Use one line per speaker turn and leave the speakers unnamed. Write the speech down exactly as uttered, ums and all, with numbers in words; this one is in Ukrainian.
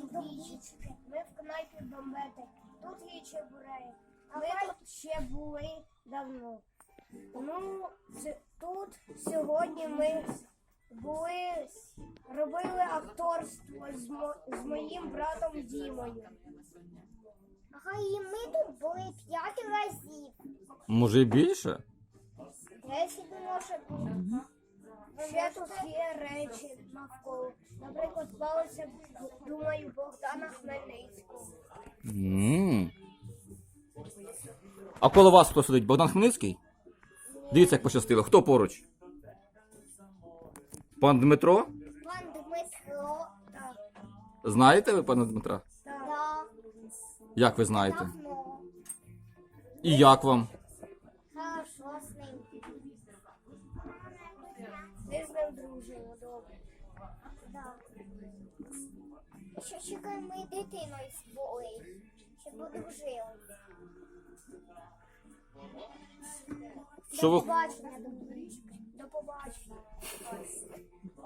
двічі. Ми в кнайпі бомбети. Тут є чебуреї. Ми тут ще були давно. Ну, с- тут сьогодні ми були, робили акторство з, мо, з моїм братом Дімою.
Ага, і ми тут були п'ять разів.
Може і більше?
Десять може бути. Ще тут є речі навколо. Наприклад, палиця, думаю, Богдана Хмельницького.
м А коло вас хто сидить? Богдан Хмельницький? Дивіться, як пощастило. Хто поруч? Пан Дмитро?
Пан Дмитро.
Так,
Знаєте ви пана Дмитра?
так.
Да,
Як ви знаєте?
давно.
І як вам?
Хорошо з ним.
Ми з ним дружимо добре.
Да. Ще чекаємо ми дитиною були. Щоб одружили.
Що ви...
Побачення, до
До побачення.